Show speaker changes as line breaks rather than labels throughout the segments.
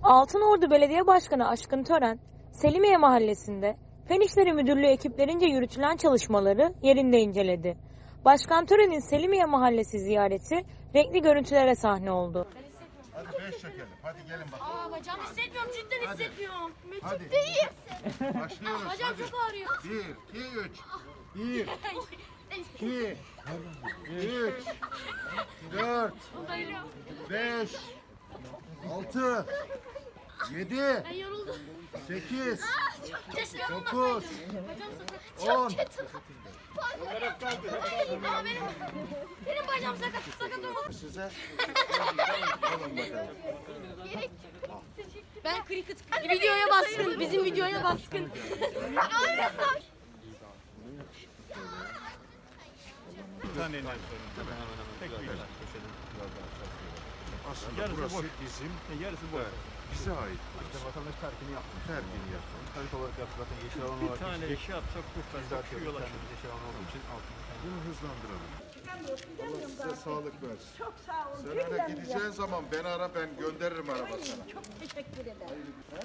Altınordu Belediye Başkanı Aşkın Tören, Selimiye Mahallesi'nde Fen İşleri Müdürlüğü ekiplerince yürütülen çalışmaları yerinde inceledi. Başkan Tören'in Selimiye Mahallesi ziyareti renkli görüntülere sahne oldu.
Hadi 5 çekelim. Hadi gelin bakalım.
Bacağım hissetmiyorum, cidden
Hadi.
hissetmiyorum.
Hadi.
Ciddiyim.
Başlıyoruz.
Bacağım
Hadi.
çok ağrıyor.
1, 2, 3. 1, 2, 3, 4, 5, 6, 7,
Ben yoruldum.
8,
Keşke
9,
olmasaydı. Bacağım sakat.
10.
Çok kötü. Benim bacağım sakat olmasın.
Size. Alın bakalım.
Ben cricket videoya baskın. Bizim videoya baskın.
Bir tane iner sonra. Tek bir iner.
Aslında
Yarısı
burası
boş.
bizim,
Yarısı boş.
bize ait.
İşte vatandaş terkini yapmış.
Terkini yapalım.
Harita olarak yaptı zaten yeşil alan olarak. Bir tane şey yapsak kurtarsak şu yol açılır. Yeşil alan olduğu için altını.
Bunu hızlandıralım. Allah size sağlık versin. Çok sağ olun. Sen öyle gideceğin zaman beni ara, ben gönderirim araba sana.
Çok teşekkür ederim.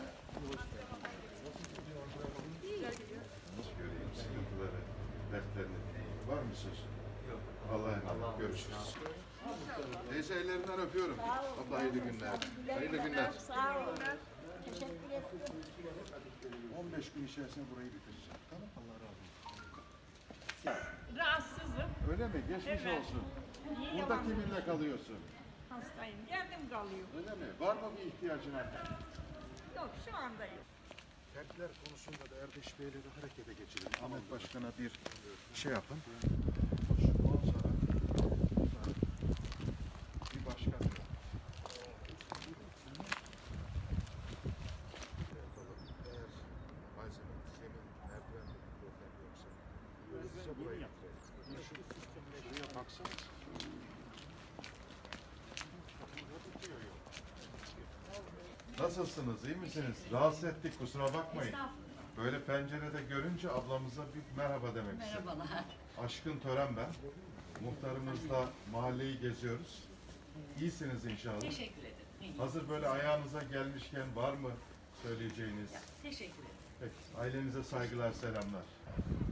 Nasıl göreyim sıkıntıları, dertlerini? Var mı söz? Yok. Allah'a emanet. Görüşürüz. Teyze ellerinden öpüyorum. Abla hayırlı günler. Hayırlı günler.
Sağ olun. Teşekkür ederim.
15 gün içerisinde burayı bitireceğim. Tamam. Allah razı olsun.
Rahatsızım.
Öyle mi? Geçmiş
Evet.
olsun.
İyi
Burada
yalan.
kiminle kalıyorsun?
Hastayım. Kendim kalıyor.
Öyle mi? Var mı bir ihtiyacın artık?
Yok şu anda yok.
Terkler konusunda da Erdeş Bey'le de harekete geçelim. Ahmet Başkan'a bir şey yapın. Ondan sonra bir başkan. Eğer malzeme, zemin, merdivende bir problem yoksa hızlıca burayı bitirelim. Şuraya baksanız. Nasılsınız? İyi misiniz? Rahatsız ettik, kusura bakmayın. Böyle pencerede görünce ablamıza bir merhaba demek istedim.
Merhabalar.
Aşkın Tören ben. Muhtarımızla mahalleyi geziyoruz. İyisiniz inşallah.
Teşekkür ederim. İyi.
Hazır böyle ayağınıza gelmişken var mı söyleyeceğiniz?
Teşekkür ederim.
Peki, ailenize saygılar, selamlar.